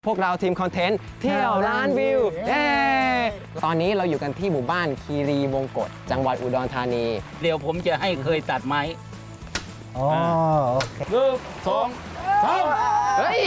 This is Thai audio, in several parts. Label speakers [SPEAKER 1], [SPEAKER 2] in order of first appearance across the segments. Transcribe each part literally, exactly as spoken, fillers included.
[SPEAKER 1] พวกเราทีมคอนเทนต์เที่ยวล้านวิวเย้ตอนนี้เราอยู่กันที่หมู่บ้านคีรีวงกฏจังหวัดอุดรธานี
[SPEAKER 2] เดี๋ยวผมจะให้เคยตัดไม้
[SPEAKER 3] อ๋อโอเค
[SPEAKER 2] หนึ่งสองสาม
[SPEAKER 1] เฮ้ย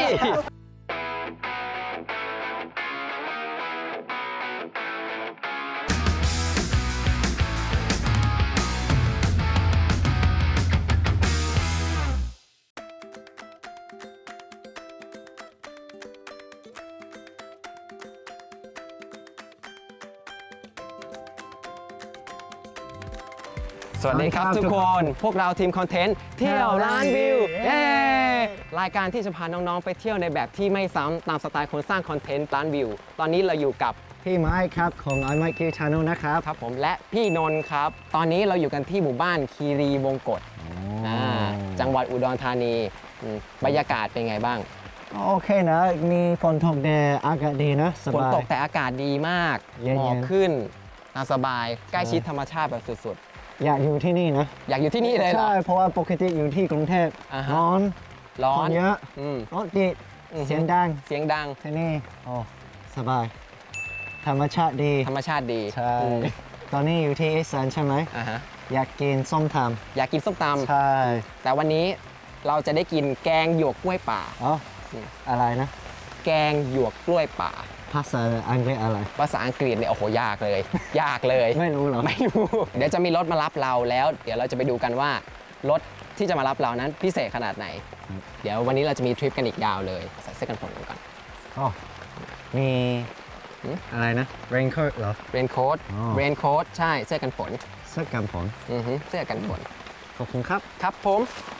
[SPEAKER 1] สวัสดีครับทุกคน พวกเราทีมคอนเทนต์เที่ยวล้านวิวเย้รายการที่จะพาน้องๆไปเที่ยวในแบบที่ไม่ซ้ำตามสไตล์คนสร้างคอนเทนต์ล้านวิวตอนนี้เราอยู่กับ
[SPEAKER 3] พี่ไม้ครับของ ไอ ไมค์ คิว Channel นะครับ
[SPEAKER 1] ครับผมและพี่นนท์ครับ ตอนนี้เราอยู่กันที่หมู่บ้านคีรีวงกฏอ่าจังหวัดอุดรธานีอืมบรรยากาศเป็นไงบ้าง
[SPEAKER 3] โอเคนะ มีฝนตกแดดอากาศดีนะส
[SPEAKER 1] ฝน
[SPEAKER 3] บาย
[SPEAKER 1] ตกแต่อากาศดีมาก
[SPEAKER 3] เย็นๆ
[SPEAKER 1] หมอกขึ้นตามสบายใกล้ชิดธรรมชาติแบบสุด
[SPEAKER 3] อยากอยู่ที่นี่นะ
[SPEAKER 1] ๆ อยากอยู่ที่นี่เลยเหรอ
[SPEAKER 3] ใช่ เพราะว่าปกติอยู่ที่กรุงเทพ
[SPEAKER 1] อ่าฮะ
[SPEAKER 3] ร้อน
[SPEAKER 1] ร้อ
[SPEAKER 3] คน นเยอะ
[SPEAKER 1] อืม
[SPEAKER 3] รถติด
[SPEAKER 1] อือฮึ
[SPEAKER 3] เสียงดัง
[SPEAKER 1] เสียงดัง
[SPEAKER 3] ที่นี่โอ้สบาย ธรรมชาติดี
[SPEAKER 1] ธรรมชาติดี
[SPEAKER 3] ใช่
[SPEAKER 1] อืม
[SPEAKER 3] ตอนนี้อยู่ที่อีสานใช่ไหม
[SPEAKER 1] อ่าฮะ
[SPEAKER 3] อยากกินส้มต
[SPEAKER 1] อยากกินส้มต
[SPEAKER 3] ำใช่
[SPEAKER 1] ำแต่วันนี้เราจะได้กินแกงหยวกกล้วยป่า
[SPEAKER 3] อ๋ออะไรนะ
[SPEAKER 1] แกงหยวกกล้วยป่า
[SPEAKER 3] ภาษาอังกฤษอะไร
[SPEAKER 1] ภาษาอังกฤษเนี่ยโอ้โหยากเลย ยากเลย
[SPEAKER 3] ไม่รู้เหรอ
[SPEAKER 1] ไม่รู้ เดี๋ยวจะมีรถมารับเราแล้ว เดี๋ยวเราจะไปดูกันว่ารถที่จะมารับเรานั้นพิเศษขนาดไหน เดี๋ยววันนี้เราจะมีทริปกันอีกยาวเลยใส่เสื้อกันฝนกันก่อน
[SPEAKER 3] อ๋อมี
[SPEAKER 1] หืม
[SPEAKER 3] อะไรนะ raincoat เหรอ
[SPEAKER 1] เรนโค้ท
[SPEAKER 3] อ๋อ
[SPEAKER 1] เรนโค้ทใช่เสื้อกันฝน
[SPEAKER 3] เสื้อกันฝน
[SPEAKER 1] อือฮึเสื้อกันฝน
[SPEAKER 3] ขอบคุณครับ
[SPEAKER 1] ครับผม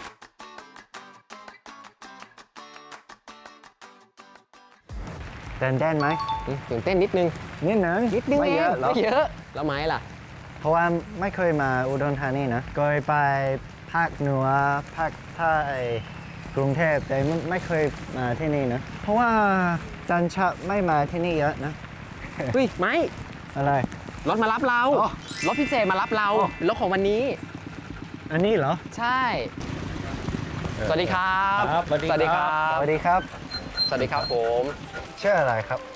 [SPEAKER 3] เดินได้ไหม
[SPEAKER 1] อืมตื่นเต้นนิดนึง
[SPEAKER 3] นิดหนึง
[SPEAKER 1] นิดนึง
[SPEAKER 3] ไม่เยอะ
[SPEAKER 1] ง
[SPEAKER 3] เหรอ
[SPEAKER 1] ไม่เยอะแล้วไม้ล่ะ
[SPEAKER 3] เพราะว่าไม่เคยมาอุดรธานีนะเคยไปภาคเหนือภาคใต้กรุงเทพแต่ไม่ไม่เคยมาที่นี่นะ เพราะว่าจันชะไม่มาที่นี่เยอะนะ
[SPEAKER 1] เฮ้ยไม้
[SPEAKER 3] อะไร
[SPEAKER 1] รถมารับเรา
[SPEAKER 3] อ๋อ
[SPEAKER 1] รถพิเศษมารับเรา
[SPEAKER 3] อ๋อ
[SPEAKER 1] เป็นรถของวันนี้
[SPEAKER 3] อันนี้เหรอ
[SPEAKER 1] ใช่ สวัสดีครับ
[SPEAKER 2] ครับสวัสดี
[SPEAKER 1] สวัสดีครั
[SPEAKER 3] ส
[SPEAKER 1] บ
[SPEAKER 3] วัสดีครับ
[SPEAKER 1] สวัสดีครับผม
[SPEAKER 3] ชื่ออะไรครับ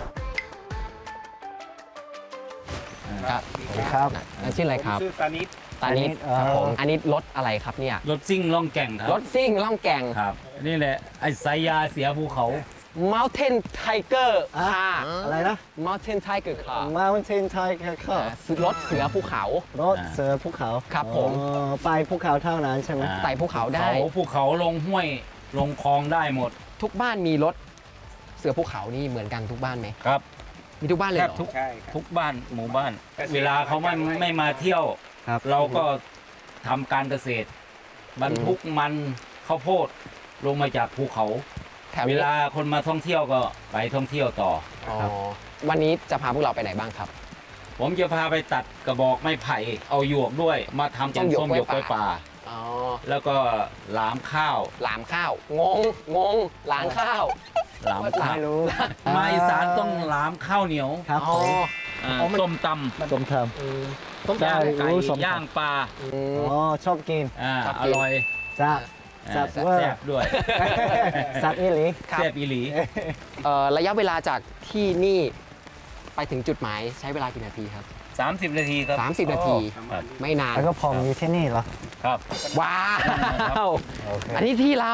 [SPEAKER 1] ครับ
[SPEAKER 3] สวัสดีครับ
[SPEAKER 1] นั่นชื่ออะไรครับ
[SPEAKER 2] ชื่อตานิด
[SPEAKER 1] ตานิด
[SPEAKER 3] ตานิดเอ่อ
[SPEAKER 1] ครับผมอันนี้รถอะไรครับเนี่ย
[SPEAKER 2] รถซิ่งล่องแก่งครับ
[SPEAKER 1] รถซิ่งล่องแก่ง
[SPEAKER 2] ครับ นี่แหละ ไอ้สายยาเสียภูเขา
[SPEAKER 1] Mountain Tiger
[SPEAKER 3] อ่ะ
[SPEAKER 1] Car
[SPEAKER 3] อะไรนะ
[SPEAKER 1] Mountain Tiger Car
[SPEAKER 3] Mountain Tiger
[SPEAKER 1] อ่าร ถเสือภูเขา
[SPEAKER 3] รถเสือภูเขา
[SPEAKER 1] ครับผม
[SPEAKER 3] อ๋อไปภูเขาเท่านั้นใช่ไหม
[SPEAKER 2] อ่า
[SPEAKER 1] ไต่ภูเขาได้
[SPEAKER 2] เขาภูเขาลงห้วยลงคลองได้หมด
[SPEAKER 1] ทุกบ้านมีรถเสือภูเขานี่เหมือนกันทุกบ้านไหม
[SPEAKER 2] ครับ
[SPEAKER 1] มีทุกบ้านเลย
[SPEAKER 2] แท
[SPEAKER 1] เห
[SPEAKER 2] บ
[SPEAKER 1] รอ
[SPEAKER 2] ทุกทุกบ้านหมู่บ้าน เวลาเขาไม่ไม่มาเที่ยว
[SPEAKER 3] ครับ
[SPEAKER 2] เราก็ทำการเกษตร บรรทุกมันข้าวโพดลงมาจากภูเขา
[SPEAKER 1] แถว
[SPEAKER 2] เว
[SPEAKER 1] นี้
[SPEAKER 2] ลาคนมาท่องเที่ยวก็ไปท่องเที่ยวต่อ
[SPEAKER 1] อ๋อวันนี้จะพาพวกเราไปไหนบ้างครับ
[SPEAKER 2] ผมจะพาไปตัดกระบอกไม้ไผ่เอาหยวกด้วย มาทำเป็น
[SPEAKER 1] ส้
[SPEAKER 2] ส้
[SPEAKER 1] ม
[SPEAKER 2] ม
[SPEAKER 1] ห
[SPEAKER 2] ห
[SPEAKER 1] ย
[SPEAKER 2] ย
[SPEAKER 1] ก
[SPEAKER 2] ก
[SPEAKER 1] ก
[SPEAKER 2] ก
[SPEAKER 1] ล้
[SPEAKER 2] ล้ว วย ย
[SPEAKER 1] ป่า
[SPEAKER 2] ป่า
[SPEAKER 1] อ๋อ
[SPEAKER 2] แล้วก็หลามข้าว
[SPEAKER 1] หลามข้าว งง งง หลามข้าว
[SPEAKER 2] หลามข้าว
[SPEAKER 3] ไม่รู้
[SPEAKER 2] มาอีสานต้องหลามข้าวเหนียว
[SPEAKER 3] ครับ
[SPEAKER 1] อ๋
[SPEAKER 3] ผ
[SPEAKER 1] อ
[SPEAKER 3] ม
[SPEAKER 2] อ่า
[SPEAKER 1] อ๋อมัน
[SPEAKER 2] ส้มต
[SPEAKER 3] ส้มต
[SPEAKER 1] อืม
[SPEAKER 2] ำย่างไก่
[SPEAKER 3] รู้ส้มตำ
[SPEAKER 2] ย่างปลา
[SPEAKER 1] อื
[SPEAKER 3] ำ
[SPEAKER 1] ม
[SPEAKER 3] อ๋อชอบกิน
[SPEAKER 2] อ่า
[SPEAKER 1] ชอบ
[SPEAKER 2] อ
[SPEAKER 1] กิน
[SPEAKER 2] ร่อย
[SPEAKER 3] แซ่บ
[SPEAKER 2] อ่า
[SPEAKER 3] แซ่บ
[SPEAKER 2] แซ่
[SPEAKER 3] เวอร์
[SPEAKER 2] บด้วย
[SPEAKER 3] แซ่บอีหลี
[SPEAKER 1] ครับ
[SPEAKER 2] แซ่บอีหลี
[SPEAKER 1] เอ่อระยะเวลาจากที่นี่ไปถึงจุดหมายใช้เวลากี่นาทีครับ
[SPEAKER 2] สามสิบนาทีครับ
[SPEAKER 1] สามสิบนาที
[SPEAKER 2] ครับ
[SPEAKER 1] ไม่นาน
[SPEAKER 3] แล้วก็ผมอยู่ที่นี่เหรอ
[SPEAKER 2] ครับ
[SPEAKER 1] ว้าว
[SPEAKER 3] โอเค
[SPEAKER 1] อันนี้ที่เรา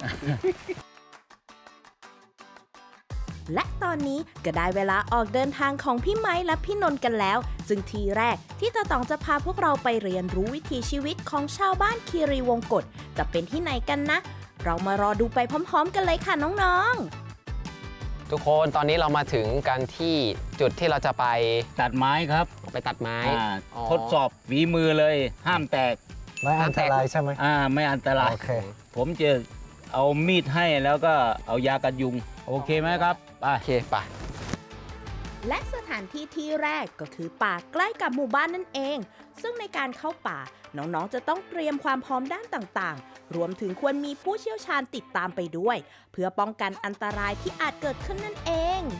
[SPEAKER 4] และตอนนี้ก็ได้เวลาออกเดินทางของพี่ไม้และพี่นนท์กันแล้ว ซึ่งทีแรกที่ตาต๋องจะพาพวกเราไปเรียนรู้วิถีชีวิตของชาวบ้านคีรีวงกฏจะเป็นที่ไหนกันนะ เรามารอดูไปพร้อมๆ กันเลยค่ะน้องๆ
[SPEAKER 1] ทุกคนตอนนี้เรามาถึงกันที่จุดที่เราจะไป
[SPEAKER 2] ตัดไม้ครับ
[SPEAKER 1] ไปตัดไม้
[SPEAKER 2] อ่า
[SPEAKER 1] อ๋อ
[SPEAKER 2] ทดสอบฝีมือเลย ห้ามแตก
[SPEAKER 3] ไม่อันตรายใช่ไหม
[SPEAKER 2] อ่าไม่อันตราย
[SPEAKER 3] โอเค
[SPEAKER 2] ผมจะเอามีดให้แล้วก็เอายากันยุง โอเคไหมครับไป
[SPEAKER 1] โอเคไป
[SPEAKER 4] และสถานที่ที่แรกก็คือป่าใกล้กับหมู่บ้านนั่นเอง ซึ่งในการเข้าป่าน้องๆจะต้องเตรียมความพร้อมด้านต่างๆ รวมถึงควรมีผู้เชี่ยวชาญติดตามไปด้วย เพื่อป้องกันอันตรายที่อาจเกิดขึ้นนั่นเอง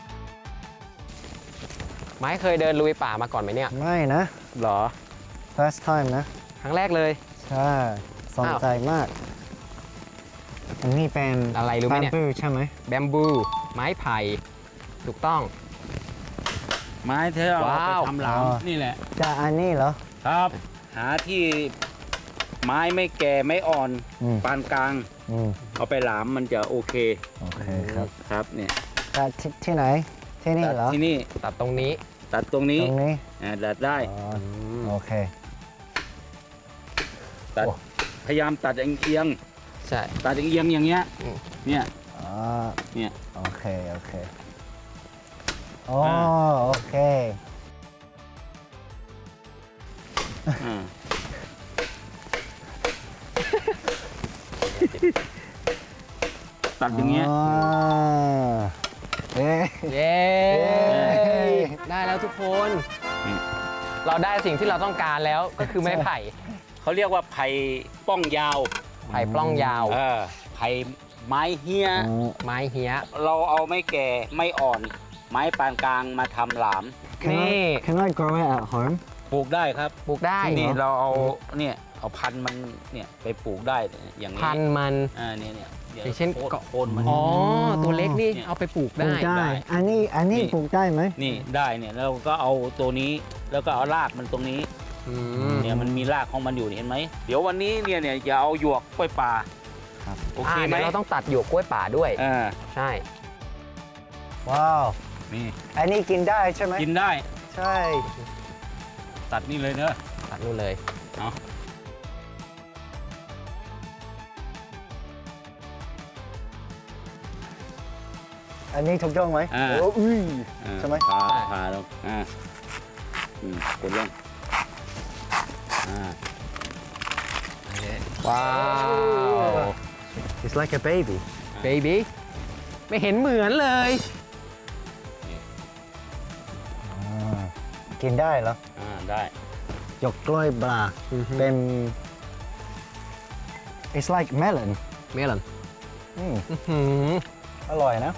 [SPEAKER 1] ไม้เคยเดินลุยป่ามาก่อนไหมเนี่ย
[SPEAKER 3] ไม่นะ
[SPEAKER 1] หรอ
[SPEAKER 3] first time นะ
[SPEAKER 1] ครั้งแรกเลย
[SPEAKER 3] ใช่สนใจมาก อันนี้เป็น
[SPEAKER 1] อะไรรู้ไหมเนี่ย
[SPEAKER 3] bamboo ใช่ไหม
[SPEAKER 1] แบมบูไม้ไผ่ถูกต้อง
[SPEAKER 2] ไม้ที่เราเอาไป
[SPEAKER 1] ว้าว
[SPEAKER 2] ทำหลาม
[SPEAKER 3] อ๋อ
[SPEAKER 2] นี่แหละ
[SPEAKER 3] จะอันนี้เหรอ
[SPEAKER 2] ครับ หาที่ไม้ไม่แก่ไม่อ่อน
[SPEAKER 3] อืม
[SPEAKER 2] ปานกลาง
[SPEAKER 3] อืม
[SPEAKER 2] เอาไปหลามมันจะโอเค
[SPEAKER 3] โอเคครับ
[SPEAKER 2] ครับเนี่ย
[SPEAKER 3] จะที่ที่ไหน ที่นี่
[SPEAKER 2] ตัด
[SPEAKER 3] เหรอ
[SPEAKER 2] ที่นี่
[SPEAKER 1] ตัดตรงนี้
[SPEAKER 2] ตัดตรงนี้
[SPEAKER 3] ตรงนี้
[SPEAKER 2] อ่าตัดได้
[SPEAKER 3] อ๋อโอเค
[SPEAKER 2] ตัด
[SPEAKER 3] โอ้
[SPEAKER 2] พยายามตัดเอียง
[SPEAKER 1] ใช่
[SPEAKER 2] ๆตัดเอียงๆอย่างเงี้ย
[SPEAKER 1] อืม
[SPEAKER 2] เนี่ย
[SPEAKER 3] อ๋อ
[SPEAKER 2] เนี่ย
[SPEAKER 3] โอเค โอเคอ๋อ
[SPEAKER 2] อ่า
[SPEAKER 3] โอเค
[SPEAKER 2] อ่า ตัดอย่างเงี้ย
[SPEAKER 3] เอ๊ะ
[SPEAKER 1] เย้ ได้แล้วทุกคน
[SPEAKER 2] อืม
[SPEAKER 1] เราได้สิ่งที่เราต้องการแล้วก็คือไม้ไผ่
[SPEAKER 2] เขาเรียกว่าไผ่ป้องยาว
[SPEAKER 1] ไผ่ปล้องยาว
[SPEAKER 2] เออไผ่ไม้เฮีย
[SPEAKER 3] อืม
[SPEAKER 1] ไม้เหี้ย
[SPEAKER 2] เราเอาไม่แก่ไม่อ่อน ไม้ปานกลางมาทำหลาม
[SPEAKER 3] Can
[SPEAKER 1] นี่
[SPEAKER 3] I, can I grow it at home?
[SPEAKER 2] ปลูกได้ครับ
[SPEAKER 1] ปลูกได้
[SPEAKER 2] นี่เราเอาเนี่ยเอาพันธุ์มันเนี่ยไปปลูกได้อย่างนี้
[SPEAKER 1] พันธุ์มัน
[SPEAKER 2] อ่าเนี่ยเนี่ยดี๋ว
[SPEAKER 1] อย่างเช่น
[SPEAKER 2] โค
[SPEAKER 1] เกาะ
[SPEAKER 2] โคนมัน
[SPEAKER 1] อ๋อ ตัวเล็กนี่
[SPEAKER 2] เนี่ย
[SPEAKER 1] เอาไปปลูก
[SPEAKER 3] ปลู
[SPEAKER 1] ได้
[SPEAKER 3] กได้
[SPEAKER 2] ได้
[SPEAKER 3] อันนี้ อันนี้
[SPEAKER 2] นี่
[SPEAKER 3] ปลูกได้ไหม
[SPEAKER 2] นี่ได้เนี่ยแล้วก็เอาตัวนี้แล้วก็เอารากมันตรงนี้
[SPEAKER 1] อืม
[SPEAKER 2] เนี่ยมันมีรากของมันอยู่เห็นไหมเดี๋ยววันนี้เนี่ยเนี่ยจะเอาหยวกกล้วยป่า
[SPEAKER 3] ครับ
[SPEAKER 2] โอเค
[SPEAKER 1] อ่า
[SPEAKER 2] ไหม
[SPEAKER 1] เดี๋ยวเราต้องตัดหยวกกล้วยป่าด้วย
[SPEAKER 2] อ่า
[SPEAKER 1] ใช่
[SPEAKER 3] ว้าว
[SPEAKER 2] นี่
[SPEAKER 3] อันนี้กินได้ใช่ไหม
[SPEAKER 2] กินได้
[SPEAKER 3] ใช่
[SPEAKER 2] ตัดนี่เลยเนอะ
[SPEAKER 1] ตัดนู่นเลย
[SPEAKER 2] เอา
[SPEAKER 3] อันนี้ถูกต้องไหม
[SPEAKER 2] อ่า
[SPEAKER 3] โอ้อุ้ย
[SPEAKER 2] อ่า
[SPEAKER 3] ใช่ไหม
[SPEAKER 2] ผ่าผ่าลงอ่าอืมกดลงอ่า
[SPEAKER 1] ว้าว
[SPEAKER 3] It's like a baby
[SPEAKER 1] baby ไม่เห็นเหมือนเลย
[SPEAKER 3] อ่ากินได้เหรอ
[SPEAKER 2] อ่าได้
[SPEAKER 3] หยกกล้วยปลา
[SPEAKER 1] อือฮึ
[SPEAKER 3] เป็น It's like melon
[SPEAKER 1] เมลอน
[SPEAKER 3] อืม
[SPEAKER 1] อื้อหือ
[SPEAKER 3] อร่อยนะ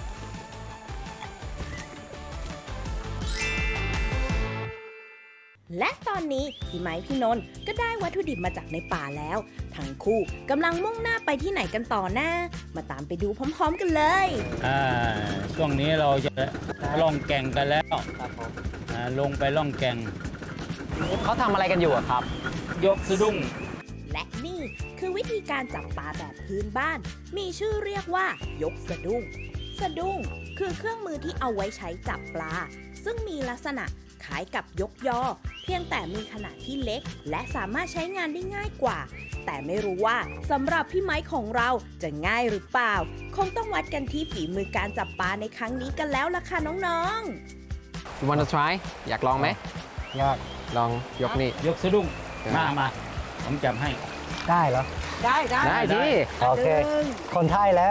[SPEAKER 4] และตอนนี้พี่ไม้พี่นนท์ก็ได้วัตถุดิบมาจากในป่าแล้ว ทั้งคู่กำลังมุ่งหน้าไปที่ไหนกันต่อหน้า มาตามไปดูพร้อมๆกันเลย
[SPEAKER 2] อ่าช่วงนี้เราจะล่องแก่งกันแล้วอ่าลงไปล่องแก่ง
[SPEAKER 1] เขาทำอะไรกันอยู่อะครับ
[SPEAKER 2] ยกสะดุ้ง
[SPEAKER 4] และนี่คือวิธีการจับปลาแบบพื้นบ้าน มีชื่อเรียกว่ายกสะดุ้ง สะดุ้งคือเครื่องมือที่เอาไว้ใช้จับปลา ซึ่งมีลักษณะคล้ายกับยกยอ เพียงแต่มีขนาดที่เล็ก และสามารถใช้งานได้ง่ายกว่า แต่ไม่รู้ว่าสำหรับพี่ไม้ของเราจะง่ายหรือเปล่า คงต้องวัดกันที่ฝีมือการจับปลาในครั้งนี้กันแล้วล่ะค่ะน้องๆ
[SPEAKER 1] you wanna try อยากลองไหม
[SPEAKER 3] ยาก
[SPEAKER 1] ลองยกนี่
[SPEAKER 2] ยกสะดุ้ง
[SPEAKER 1] ได้
[SPEAKER 2] มามาผมจับให้
[SPEAKER 3] ได้เหรอ
[SPEAKER 4] ได้ได้
[SPEAKER 1] ได้
[SPEAKER 2] ได้
[SPEAKER 1] ดิ
[SPEAKER 3] โอเค คนไทยแล้ว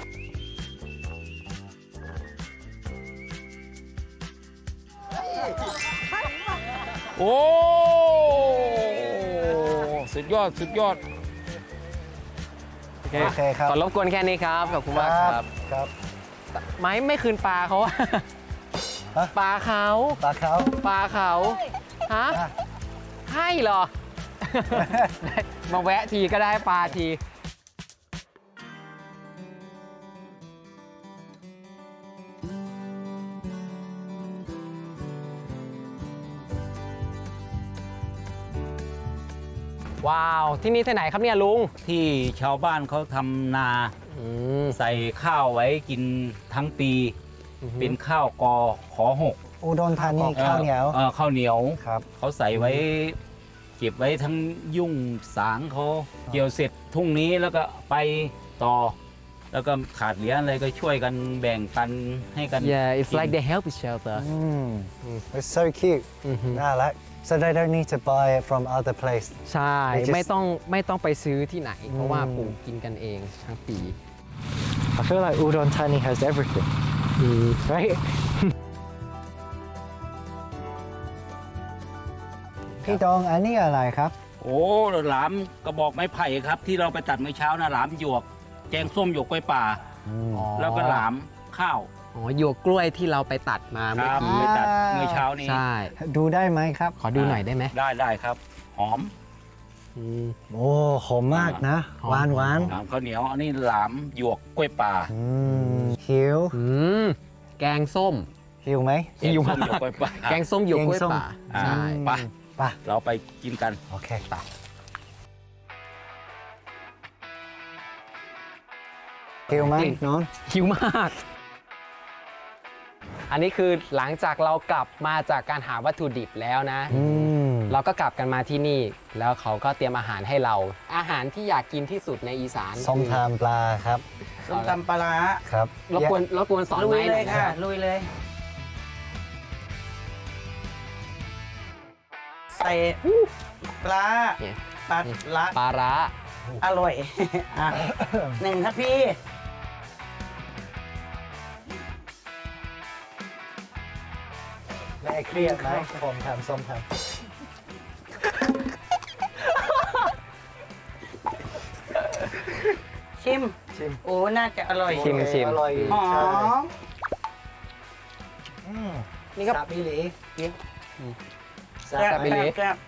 [SPEAKER 2] โอ้สุดยอดสุดยอด
[SPEAKER 1] โอเค
[SPEAKER 3] โอเคครับ
[SPEAKER 1] ขอรบกวนแค่นี้ครับ ขอบคุณมากครับ
[SPEAKER 3] ครับ
[SPEAKER 1] ไม้ไม่คืนปลาเขาอะ
[SPEAKER 3] ฮะ
[SPEAKER 1] ปลาเขา
[SPEAKER 3] ปลาเขา
[SPEAKER 1] ปลาเขาฮะ
[SPEAKER 3] อ่ะ
[SPEAKER 1] ให้เหรอ ได้มาแวะทีก็ได้ปลาที ว้าว ที่นี่ที่ไหนครับเนี่ยลุง
[SPEAKER 2] ที่ชาวบ้านเขาทำนา
[SPEAKER 1] อืม
[SPEAKER 2] ใส่ข้าวไว้กินทั้งปี เป็นข้าวกอขอหก
[SPEAKER 3] อุดรธานีข้าวเหนียว
[SPEAKER 2] ออข้าวเหนียว
[SPEAKER 3] ครับ
[SPEAKER 2] เขาใส่ไว้เก็บไว้ทั้งยุ่งสางเขาเกี่ยวเสร็จทุ่งนี้แล้วก็ไปต่อ แล้วก็ขาดเหลืออะไรก็ช่วยกันแบ่งปันให้กัน
[SPEAKER 1] Yeah it's
[SPEAKER 2] กิน
[SPEAKER 1] like they help each other
[SPEAKER 3] อืม It's so cute
[SPEAKER 1] อือฮึ
[SPEAKER 3] น่ารัก so they don't need to buy it from other place
[SPEAKER 1] ใช่
[SPEAKER 3] They just-
[SPEAKER 1] ไม่ต้องไม่ต้องไปซื้อที่ไหน เพราะว่า
[SPEAKER 3] อืม
[SPEAKER 1] ปลูกกินกันเองทั้งปี
[SPEAKER 3] I feel like Udon Thani has everything right พี่ตองอันนี้อะไรครับ
[SPEAKER 2] โอ้หลามกระบอกไม้ไผ่ครับ ที่เราไปตัดเมื่อเช้านะหลามหยวก แกงส้มหยวกกล้วยป่า แล้วก็หลามข้าว
[SPEAKER 1] อ๋อหยวกกล้วยที่เราไปตัดมา
[SPEAKER 2] ค
[SPEAKER 1] เมื่อ
[SPEAKER 2] รับ
[SPEAKER 1] กี้
[SPEAKER 2] ไปตัดเมื่อเช้านี้
[SPEAKER 1] ใช่
[SPEAKER 3] ดูได้ไหมครับ
[SPEAKER 1] ขอดูหน่อยได้ไหม
[SPEAKER 2] ได้ได้ครับ หอม
[SPEAKER 1] อืม
[SPEAKER 3] โอ้หอมมากนะ
[SPEAKER 1] หอม
[SPEAKER 3] หวานหวาน
[SPEAKER 2] หลามข้าวเหนียว อันนี้หลามหยวกกล้วยป่า
[SPEAKER 3] อืมหิว
[SPEAKER 1] อืมแกงส้ม
[SPEAKER 3] หิวไหม
[SPEAKER 1] หิว
[SPEAKER 2] ส้
[SPEAKER 1] มาม
[SPEAKER 2] หยวก
[SPEAKER 1] ก
[SPEAKER 2] กล้วยป่า
[SPEAKER 1] แกงส้มหยวกกล้วย
[SPEAKER 3] แกงส้ม
[SPEAKER 1] ป่า
[SPEAKER 2] อ่า
[SPEAKER 1] ใช่
[SPEAKER 2] ไป
[SPEAKER 3] ไป
[SPEAKER 2] เราไปกินกัน
[SPEAKER 3] โอเคไปหิวไหมน้อง
[SPEAKER 1] หิวมาก อันนี้คือหลังจากเรากลับมาจากการหาวัตถุดิบแล้วนะ
[SPEAKER 3] อืม
[SPEAKER 1] เราก็กลับกันมาที่นี่ แล้วเขาก็เตรียมอาหารให้เรา อาหารที่อยากกินที่สุดในอีสาน
[SPEAKER 3] ส้มตำปลาครับ
[SPEAKER 5] ส้มตำปลาร้า
[SPEAKER 3] ครับ
[SPEAKER 1] รบกวนรบกวนสอน
[SPEAKER 5] ลุ
[SPEAKER 1] ไหม
[SPEAKER 5] ย
[SPEAKER 1] ห
[SPEAKER 5] เล
[SPEAKER 1] น่อย ยนะ
[SPEAKER 5] ค่ะ
[SPEAKER 1] ครับ
[SPEAKER 5] ลุยเลย ใส่ปลา
[SPEAKER 1] เนี่ย
[SPEAKER 5] ปลาละ
[SPEAKER 1] ปลาร้า
[SPEAKER 5] อร่อย อ่ะหนึ่งครับพี่
[SPEAKER 3] แม่เครียดไหมผมทำส้มตำ
[SPEAKER 5] ชิม
[SPEAKER 3] ชิม
[SPEAKER 5] โอ้ น่าจะอร่อย
[SPEAKER 1] ชิมชิม
[SPEAKER 3] อร่อย
[SPEAKER 5] หอ
[SPEAKER 3] ใช่
[SPEAKER 5] ม
[SPEAKER 3] อืม
[SPEAKER 1] นี่ก็
[SPEAKER 3] ซาบิลี
[SPEAKER 1] ซาบิลิ
[SPEAKER 5] แซ่บ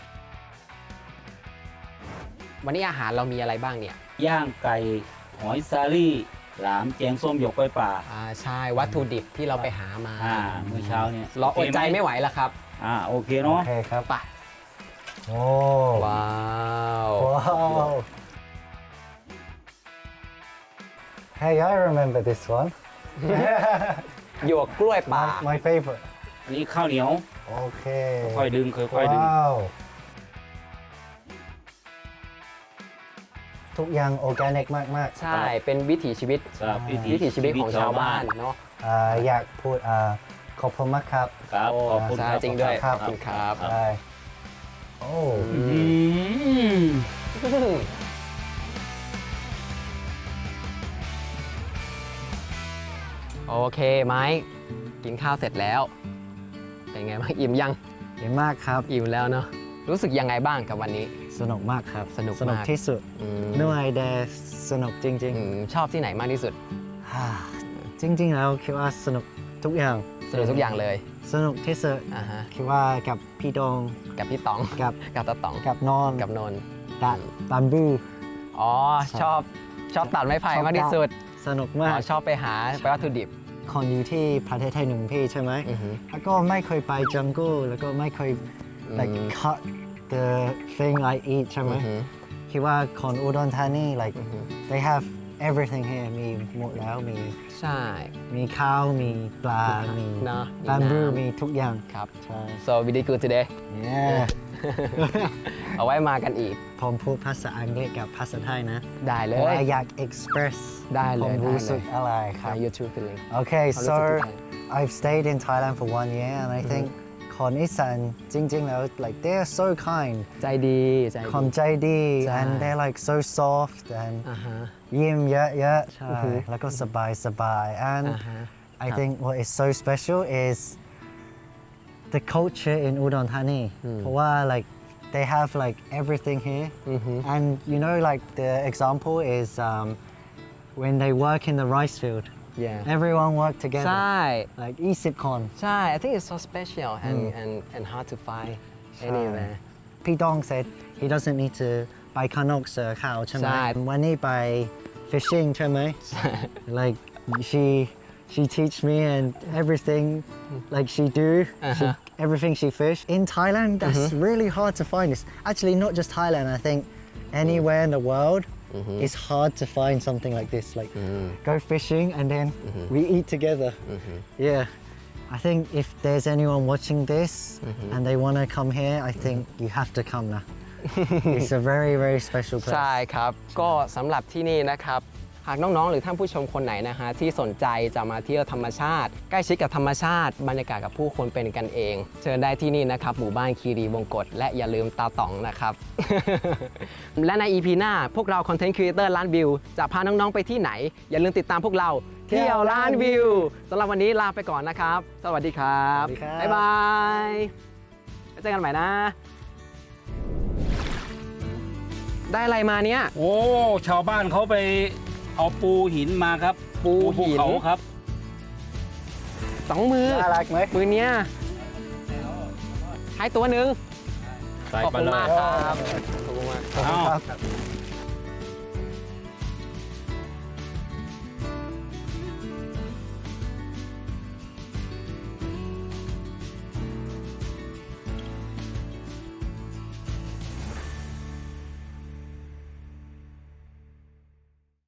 [SPEAKER 1] วันนี้อาหารเรามีอะไรบ้างเนี่ย
[SPEAKER 2] ย่างไก่ หอยซาลี่ หลามแกงส้มหยวกกล้วยป่า
[SPEAKER 1] อ่าใช่วัตถุดิบที่เราไปหามา
[SPEAKER 2] อ่ามื้อเช้าเนี่ย
[SPEAKER 1] เราอดใจไม่ไหวแล้วครับ
[SPEAKER 2] อ่าโอเค
[SPEAKER 3] โอ
[SPEAKER 2] เนาะ
[SPEAKER 3] เคครับ
[SPEAKER 1] ไป
[SPEAKER 3] โอ้
[SPEAKER 1] ว้าว
[SPEAKER 3] ว้าว Hey I remember this one
[SPEAKER 1] หยวกกล้วยป่า
[SPEAKER 3] my, my favorite
[SPEAKER 2] อันนี้ข้าวเหนียว
[SPEAKER 3] โอเค
[SPEAKER 2] ค่อยดึงค่อยๆดึง
[SPEAKER 3] ว้าว ทุกอย่างออร์แกนิกมาก
[SPEAKER 1] ใช่ เป็นวิถีชีวิต
[SPEAKER 2] ครับ
[SPEAKER 1] วิถีชีวิตของชาวบ้านเนาะ
[SPEAKER 3] ๆอ่าอยากพูดอ่าขอบคุณมากครับ
[SPEAKER 2] ครับ ขอบคุณ
[SPEAKER 1] ใช่
[SPEAKER 2] ครับ
[SPEAKER 1] จริงด้วย
[SPEAKER 3] ครับ
[SPEAKER 1] ขอบคุณครับ
[SPEAKER 3] ใช่โอ้
[SPEAKER 2] อืม
[SPEAKER 1] โอเคไหมกินข้าวเสร็จแล้ว เป็นไงบ้างอิ่มยัง
[SPEAKER 3] ดีมากครับ
[SPEAKER 1] อิ่มแล้วเนาะรู้สึกยังไงบ้างกับวันนี้
[SPEAKER 3] สนุกมากครับ
[SPEAKER 1] สนุกมาก
[SPEAKER 3] สนุกที่สุด
[SPEAKER 1] อืม
[SPEAKER 3] เหนื่อยแต่สนุกจริง
[SPEAKER 1] อืมชอบที่ไหนมากที่สุด
[SPEAKER 3] ๆฮ่าจริง ๆ แล้วคิดว่าสนุกทุกอย่าง
[SPEAKER 1] สนุกทุกอย่างเลย
[SPEAKER 3] สนุกที่สุด
[SPEAKER 1] อ่าฮะ
[SPEAKER 3] คิดว่ากับพี่ดง
[SPEAKER 1] กับพี่ต๋อง
[SPEAKER 3] กับ
[SPEAKER 1] กับตาต๋อง
[SPEAKER 3] กับนอน
[SPEAKER 1] กับนนท์
[SPEAKER 3] ตัดตันบู
[SPEAKER 1] อ๋อชอบชอบตัดไม้ไผ่
[SPEAKER 3] ชอบ
[SPEAKER 1] มากที่สุด
[SPEAKER 3] สนุก
[SPEAKER 1] อ๋
[SPEAKER 3] มาก
[SPEAKER 1] อชอบไปหาไปวัตถุดิบ
[SPEAKER 3] คนอยู่ที่ประเทศไทยหนึ่งพี่ใช่ไหม
[SPEAKER 1] อือฮึ
[SPEAKER 3] แล้วก็ไม่เคยไปจังกูแล้วก็ไม่เคย like
[SPEAKER 1] อืม
[SPEAKER 3] cut the thing I eat ใช่ไหม
[SPEAKER 1] อือฮึ
[SPEAKER 3] คิดว่าคนอุดรธานี like
[SPEAKER 1] อือฮึ
[SPEAKER 3] they have everything here มีหมดแล้วมี
[SPEAKER 1] ใช่
[SPEAKER 3] มีข้าวมีปลา มี
[SPEAKER 1] เนอะ
[SPEAKER 3] บัมบู
[SPEAKER 1] มีน้ำ
[SPEAKER 3] มีทุกอย่าง
[SPEAKER 1] ครับ
[SPEAKER 3] ใช่
[SPEAKER 1] so we did good today
[SPEAKER 3] yeah
[SPEAKER 1] เอาไว้มากันอีก
[SPEAKER 3] ผมพูดภาษาอังกฤษกับภาษาไทยนะ
[SPEAKER 1] ได้เล
[SPEAKER 3] เพราะ
[SPEAKER 1] ย
[SPEAKER 3] ว่าอยาก express
[SPEAKER 1] ได้เลย
[SPEAKER 3] ผม
[SPEAKER 1] ได้
[SPEAKER 3] รู้
[SPEAKER 1] เล
[SPEAKER 3] สึก
[SPEAKER 1] ย
[SPEAKER 3] อะไรครั
[SPEAKER 1] หา
[SPEAKER 3] บ
[SPEAKER 1] YouTube feeling
[SPEAKER 3] Okay
[SPEAKER 1] ความรู้สึ
[SPEAKER 3] so
[SPEAKER 1] กที่ไทย
[SPEAKER 3] I've stayed in Thailand for one year and I think คนอีสานจริงๆแล้ว like they are so kind
[SPEAKER 1] ใจดีใจ
[SPEAKER 3] คน
[SPEAKER 1] ดี
[SPEAKER 3] ใจดี
[SPEAKER 1] ใช่
[SPEAKER 3] and they're like so soft and
[SPEAKER 1] อ่าฮะ
[SPEAKER 3] ยิ้มเยอะๆใช่
[SPEAKER 1] อือฮึ
[SPEAKER 3] แล้วก็สบายสบายๆ and
[SPEAKER 1] อ่าฮะ
[SPEAKER 3] I think what is so special is the culture in Udon Thani เพราะว่า like they have like everything here
[SPEAKER 1] อือฮึ
[SPEAKER 3] and you know like the example is um, when they work in the rice field
[SPEAKER 1] yeah
[SPEAKER 3] everyone work
[SPEAKER 1] ใช
[SPEAKER 3] together
[SPEAKER 1] ่
[SPEAKER 3] like ยี่สิบคน
[SPEAKER 1] ใช่ I think it's so special and and and hard to find anywhere
[SPEAKER 3] พี่ดอง said he doesn't need to ไปข้างนอกเสือขาวใช่ไหม
[SPEAKER 1] ใช่
[SPEAKER 3] วันนี้ไป fishing ใช่ไหม like she she teach me and everything like she do she,
[SPEAKER 1] Uh-huh.
[SPEAKER 3] everything she fish in Thailand that's really hard to find it's actually not just Thailand I think anywhere in the world it's hard to find something like this like go fishing and then we eat together yeah I think if there's anyone watching this and they want to come here I think you have to come now it's a very very special place
[SPEAKER 1] ใช่ครับ ก็สำหรับที่นี่นะครับ หากน้องๆ หรือท่านผู้ชมคนไหนนะฮะที่สนใจจะมาเที่ยวธรรมชาติ ใกล้ชิดกับธรรมชาติ บรรยากาศกับผู้คนเป็นกันเอง เชิญได้ที่นี่นะครับ หมู่บ้านคีรีวงกฏและอย่าลืมตาต๋องนะครับ และใน อี พี หน้าพวกเราคอนเทนต์ครีเอเตอร์ล้านวิวจะพาน้องๆ ไปที่ไหน อย่าลืมติดตามพวกเราเที่ยวล้านวิวสำหรับวันนี้ลาไปก่อนนะครับ สวัสดีครับ
[SPEAKER 3] สวัสดีครับ
[SPEAKER 1] บ๊ายบายไว้เจอกันใหม่นะ ได้อะไรมาเนี่ย
[SPEAKER 2] โอ้ ชาวบ้านเขาไปเอาปูหินมาครับ
[SPEAKER 1] ปูหิน
[SPEAKER 2] เขาครับ
[SPEAKER 1] สองมือ
[SPEAKER 3] น่ารักไหม
[SPEAKER 1] มือเนี้ยให้ตัวหนึ่ง
[SPEAKER 2] ใส่
[SPEAKER 1] ขอบ
[SPEAKER 2] ไป
[SPEAKER 1] คุณ
[SPEAKER 2] เลย
[SPEAKER 1] มากครับขอบคุณมาก
[SPEAKER 3] ขอบคุณครับ
[SPEAKER 2] เอ้า